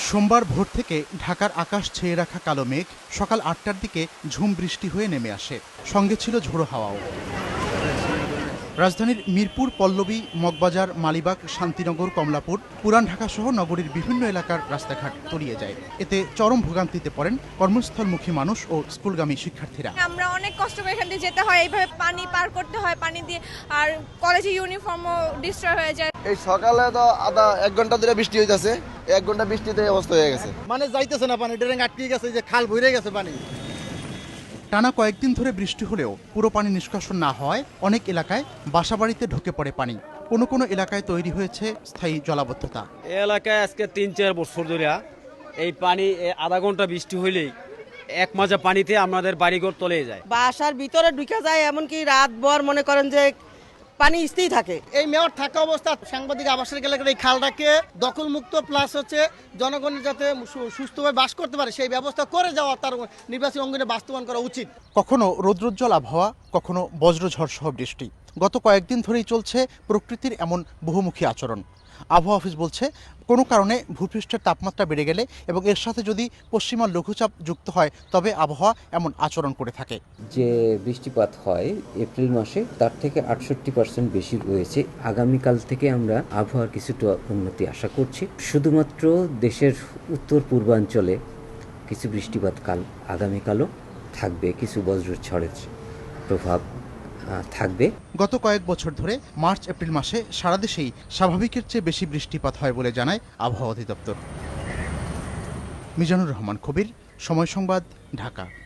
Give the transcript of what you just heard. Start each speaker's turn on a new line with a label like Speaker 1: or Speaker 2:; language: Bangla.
Speaker 1: সোমবার ভোর থেকে ঢাকার আকাশ ছেয়ে রাখা কালো মেঘ সকাল ৮টার দিকে ঝুম বৃষ্টি হয়ে নেমে আসে। সঙ্গে ছিল ঝোড়ো হাওয়াও। রাজধানীর মিরপুর, পল্লবী, মগবাজার, মালিবাগ, শান্তিনগর, কমলাপুর, পুরান ঢাকা সহ নগরীর বিভিন্ন এলাকার রাস্তাঘাট তলিয়ে যায়। এতে চরম ভোগান্তিতে পড়েন কর্মস্থলমুখী মানুষ ও স্কুলগামী শিক্ষার্থীরা।
Speaker 2: আমরা অনেক কষ্ট করে এখান দিয়ে যেতে হয়, এইভাবে পানি পার করতে হয়, পানি দিয়ে, আর কলেজে ইউনিফর্মও ডিস্ট্রয় হয়ে যায়।
Speaker 3: এই সকালে তো এক ঘন্টা ধরে বৃষ্টি হইতেছে, 1 ঘন্টা বৃষ্টিতে এই অবস্থা হয়ে গেছে।
Speaker 4: মানে যাইতেছে না, পানি ড্রেন আটকে গেছে, যে খাল ভরে গেছে পানি।
Speaker 1: টানা কয়েকদিন ধরে বৃষ্টি হলেও পুরো পানি নিষ্কাশন না হওয়ায় অনেক এলাকায় বাসাবাড়িতে ঢুকে পড়ে পানি। কোনো কোনো এলাকায় তৈরি হয়েছে স্থায়ী জলাবদ্ধতা।
Speaker 5: এই এলাকায় আজকে ৩-৪ বছর ধরে এই পানি আধা ঘন্টা বৃষ্টি হইলেই এক মাজা পানিতে আমাদের বাড়িঘর তলে যায়।
Speaker 6: বাসার ভিতরে ঢুকে যায়, এমনকি রাত ভর মনে করেন যে পানি স্থির থাকে।
Speaker 4: এই মেয়র থাকা অবস্থা সাংবাদিক আবাসিক এলাকার এই খালটাকে দখলমুক্ত প্লাস হচ্ছে জনগণের যাতে সুস্থভাবে বাস করতে পারে সেই ব্যবস্থা করে যাওয়া তার নির্বাচনী অঙ্গনে বাস্তবায়ন করা উচিত।
Speaker 1: কখনো রৌদ্রোজ্জ্বল আবহাওয়া, কখনো বজ্রঝড় সহ বৃষ্টি। গত কয়েকদিন ধরেই চলছে প্রকৃতির এমন বহুমুখী আচরণ। আবহাওয়া অফিস বলছে, কোনো কারণে ভূপৃষ্ঠের তাপমাত্রা বেড়ে গেলে এবং এর সাথে যদি পশ্চিমা লঘুচাপ যুক্ত হয় তবে আবহাওয়া এমন আচরণ করে থাকে।
Speaker 7: যে বৃষ্টিপাত হয় এপ্রিল মাসে তার থেকে 68% বেশি রয়েছে। আগামীকাল থেকে আমরা আবহাওয়ার কিছুটা উন্নতি আশা করছি। শুধুমাত্র দেশের উত্তর পূর্বাঞ্চলে কিছু বৃষ্টিপাত আগামীকালও থাকবে, কিছু বজ্রঝড়ের প্রভাব থাকবে।
Speaker 1: গত কয়েক বছর ধরে মার্চ এপ্রিল মাসে সারা দেশেই স্বাভাবিকের চেয়ে বেশি বৃষ্টিপাত হয় বলে জানায় আবহাওয়া অধিদপ্তর। মিজানুর রহমান কবির, সময় সংবাদ, ঢাকা।